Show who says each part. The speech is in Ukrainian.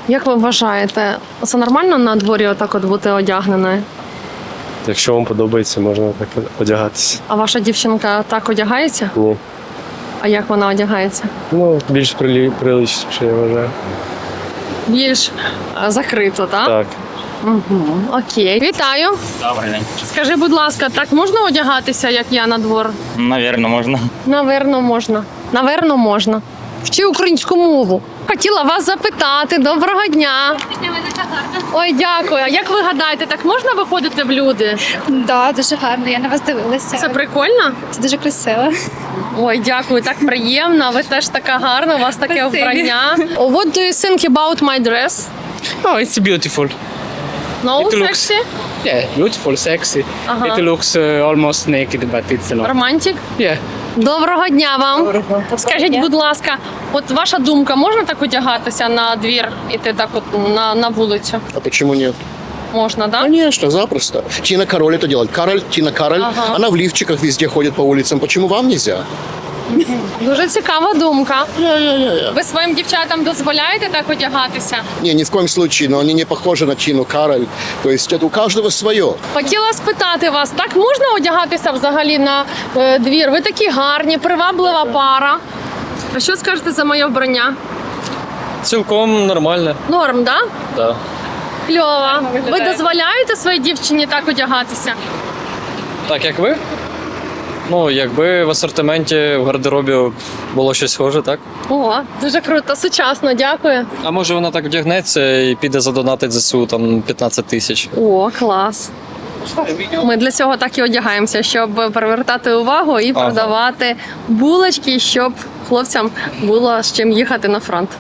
Speaker 1: Як ви вважаєте, це нормально на дворі отак от бути одягненою?
Speaker 2: Якщо вам подобається, можна так одягатися.
Speaker 1: А ваша дівчинка так одягається?
Speaker 2: Ні.
Speaker 1: А як вона одягається?
Speaker 2: Ну, більш приличніше, я вважаю.
Speaker 1: Більш закрито, так?
Speaker 2: Так.
Speaker 1: Угу. Окей. Вітаю.
Speaker 3: Добрий день.
Speaker 1: Скажи, будь ласка, так можна одягатися, як я на двор?
Speaker 3: Навірно, можна.
Speaker 1: Наверно, можна. Наверно, можна. Вчи українську мову. Хотіла вас запитати. Доброго дня. Ой, дякую. А як ви гадаєте, так можна виходити в люди?
Speaker 4: Да, дуже гарно. Я на вас дивилася.
Speaker 1: Це прикольно?
Speaker 4: Це дуже красиво.
Speaker 1: Ой, дякую, так приємно. Ви теж така гарна, у вас таке
Speaker 4: Спасибі.
Speaker 1: вбрання. What do you think about my dress?
Speaker 5: Oh, it's beautiful.
Speaker 1: No,
Speaker 5: It looks-
Speaker 1: sexy?
Speaker 5: Yeah, beautiful, sexy.
Speaker 1: Uh-huh.
Speaker 5: It looks almost naked, but it's a lot.
Speaker 1: Романтик?
Speaker 5: Yeah.
Speaker 1: Доброго дня вам. Скажіть, будь ласка, от ваша думка, можна так одягатися на двір, іти так от на вулицю?
Speaker 6: А почему нет?
Speaker 1: Можна, так? Да?
Speaker 6: Конечно, запросто. Тина Кароль это делает. Тина Кароль,
Speaker 1: Ага.
Speaker 6: она в лифчиках везде ходит по улицам. Почему вам нельзя?
Speaker 1: Дуже цікава думка.
Speaker 6: Я.
Speaker 1: Ви своїм дівчатам дозволяєте так одягатися?
Speaker 6: Не, ни в коем случае, но они не похожи на Тину Кароль. То есть это у каждого свое.
Speaker 1: Хотіла спитати вас, так можна одягатися взагалі на двір? Ви такі гарні, приваблива пара. А що скажете за моє вбрання?
Speaker 2: Цілком нормально.
Speaker 1: Норм, да?
Speaker 2: Так.
Speaker 1: Кльово. Ви дозволяєте своїй дівчині так одягатися?
Speaker 2: Так, як ви? Ну, якби в асортименті в гардеробі було щось схоже, так?
Speaker 1: О, дуже круто, сучасно, дякую.
Speaker 2: А може вона так вдягнеться і піде задонатить ЗСУ там 15 тисяч.
Speaker 1: О, клас. Ми для цього так і одягаємося, щоб привертати увагу і продавати булочки, щоб хлопцям було з чим їхати на фронт.